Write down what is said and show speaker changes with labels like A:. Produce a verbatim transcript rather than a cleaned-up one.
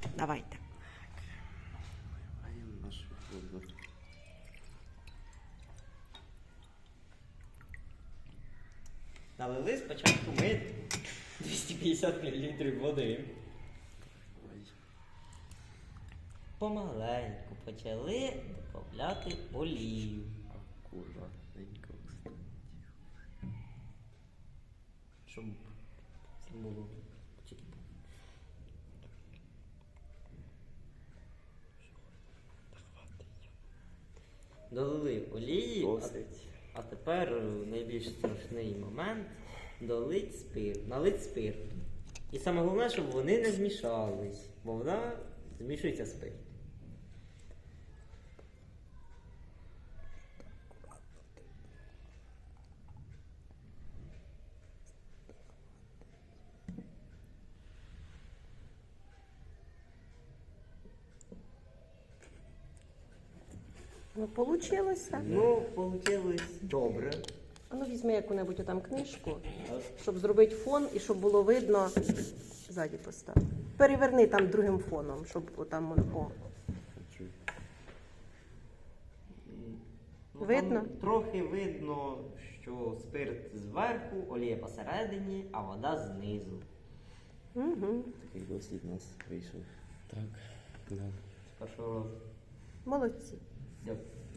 A: Давайте.
B: Маємо нашу воду.
C: Налили спочатку ми двісті п'ятдесят мілілітрів води.
B: Ой.
C: Помаленьку почали додавати олію.
B: Акуратненько, кстати.
C: Щоб це було чітко. Долили олії, а,
B: Досить.
C: а тепер найбільш страшний момент долить спирт, налить спирту. І саме головне, щоб вони не змішались, бо вона змішується спирт.
A: Ну, получилося.
C: Ну, вийшло добре.
A: А ну візьми яку-небудь отам книжку, щоб зробити фон і щоб було видно. Ззаді постав. Переверни там другим фоном, щоб отам воно. О.
B: Хочу.
C: Ну,
A: Видно?
C: там трохи видно, що спирт зверху, олія посередині, а вода знизу.
A: Угу.
B: Такий досвід у нас вийшов. Так. Да.
C: З першого разу.
A: Молодці.
C: Дякую.